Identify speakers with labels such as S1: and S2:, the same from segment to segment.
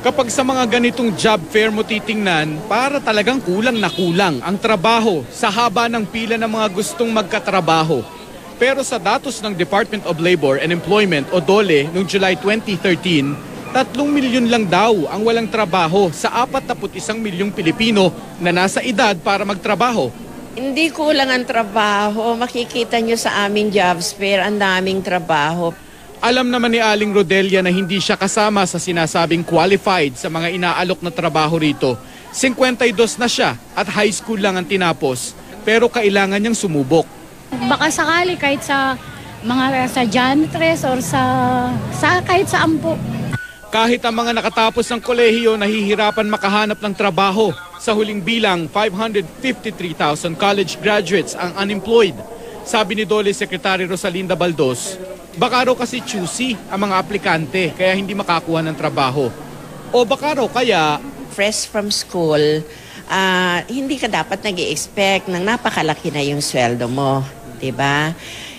S1: Kapag sa mga ganitong job fair mo titingnan, para talagang kulang na kulang ang trabaho sa haba ng pila ng mga gustong magkatrabaho. Pero sa datos ng Department of Labor and Employment o DOLE noong July 2013, 3 milyon lang daw ang walang trabaho sa 41 milyong Pilipino na nasa edad para magtrabaho.
S2: Hindi kulang ang trabaho. Makikita nyo sa aming jobs fair, ang daming trabaho.
S1: Alam naman ni Aling Rodelia na hindi siya kasama sa sinasabing qualified sa mga inaalok na trabaho rito. 52 na siya at high school lang ang tinapos, pero kailangan niyang sumubok.
S3: Baka sakali kahit sa mga sa janitress or kahit sa ampo.
S1: Kahit ang mga nakatapos ng kolehiyo nahihirapan makahanap ng trabaho. Sa huling bilang, 553,000 college graduates ang unemployed. Sabi ni DOLE Secretary Rosalinda Baldos, baka raw kasi choosy ang mga aplikante kaya hindi makakuha ng trabaho. O baka raw kaya
S2: Fresh from school, hindi ka dapat nag-i-expect ng napakalaki na yung sweldo mo. Diba?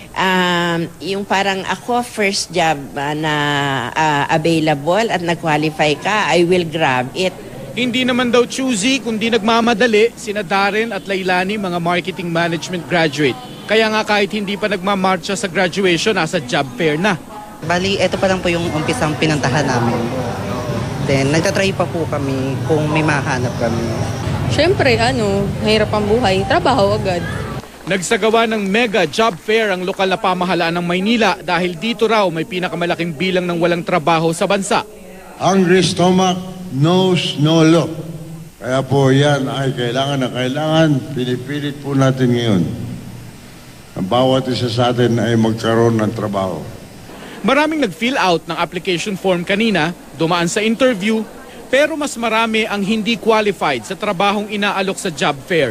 S2: Yung parang ako, first job na available at nag-qualify ka, I will grab it.
S1: hindi naman daw choosy kundi nagmamadali sina Darren at Lailani, mga marketing management graduate. Kaya nga kahit hindi pa nagmamarcha sa graduation, nasa job fair na.
S4: Bali, ito pa lang po yung umpisang pinuntahan namin. Then, nagtatry pa po kami kung may mahanap kami.
S5: Siyempre, mahirap ang buhay. Trabaho agad.
S1: Nagsagawa ng mega job fair ang lokal na pamahalaan ng Maynila dahil dito raw may pinakamalaking bilang ng walang trabaho sa bansa.
S6: Hungry stomach knows no law. Kaya po yan ay kailangan na kailangan. Pinipilit po natin ngayon. Ang bawat isa sa atin ay magkaroon ng trabaho.
S1: Maraming nag-fill out ng application form kanina, dumaan sa interview, pero mas marami ang hindi qualified sa trabahong inaalok sa job fair.